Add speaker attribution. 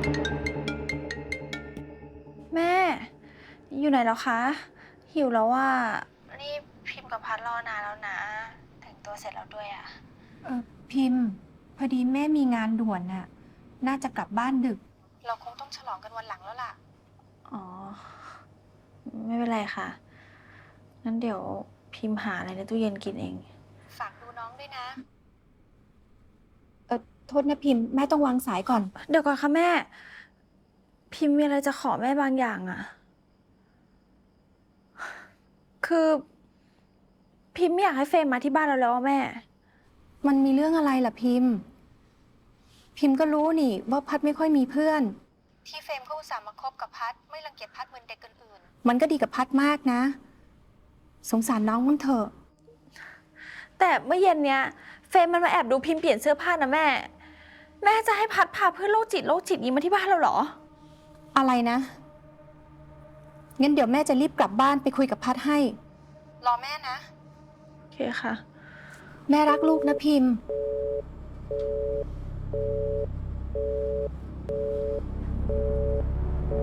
Speaker 1: แม่อยู่ไหนแล้วคะหิวแล้วว่านี่พิมพ์กับพัดรอนานแล้วนะแต่งตัวเสร็จแล้วด้วยอะ
Speaker 2: พิมพ์พอดีแม่มีงานด่วนน่ะน่าจะกลับบ้านดึก
Speaker 1: เราคงต้องฉลองกันวันหลังแล้วล่ะอ๋อไม่เป็นไรค่ะงั้นเดี๋ยวพิมพ์หาอะไรในตู้เย็นกินเองฝากดูน้องด้วยนะ
Speaker 2: โทษนะพิมพ์แม่ต้องวางสายก่อน
Speaker 1: เดี๋ยวก่อนค่ะแม่พิมพ์มีอะไรจะขอแม่บางอย่างอะคือพิมพ์ไม่อยากให้เฟรมมาที่บ้านเราแล้วอะแม่
Speaker 2: มันมีเรื่องอะไรล่ะพิมพ์ก็รู้นี่ว่าพัดไม่ค่อยมีเพื่อน
Speaker 1: ที่เฟรมเขาอุตส่าห์มาคบกับพัดไม่รังเกียจพัดเหมือนเด็กอื่น
Speaker 2: มันก็ดีกับพัดมากนะสงสารน้องมั้งเถอะ
Speaker 1: ๆแต่เมื่อเย็นเนี้ยเฟรมมันมาแอบดูพิมพ์เปลี่ยนเสื้อผ้านะแม่จะให้พัดพาเพื่อนโรคจิตนี้มาที่บ้านเราเหรอ
Speaker 2: อะไรนะงั้นเดี๋ยวแม่จะรีบกลับบ้านไปคุยกับพัดให้
Speaker 1: รอแม่นะโอเคค่ะ
Speaker 2: แม่รักลูกนะพิมพ์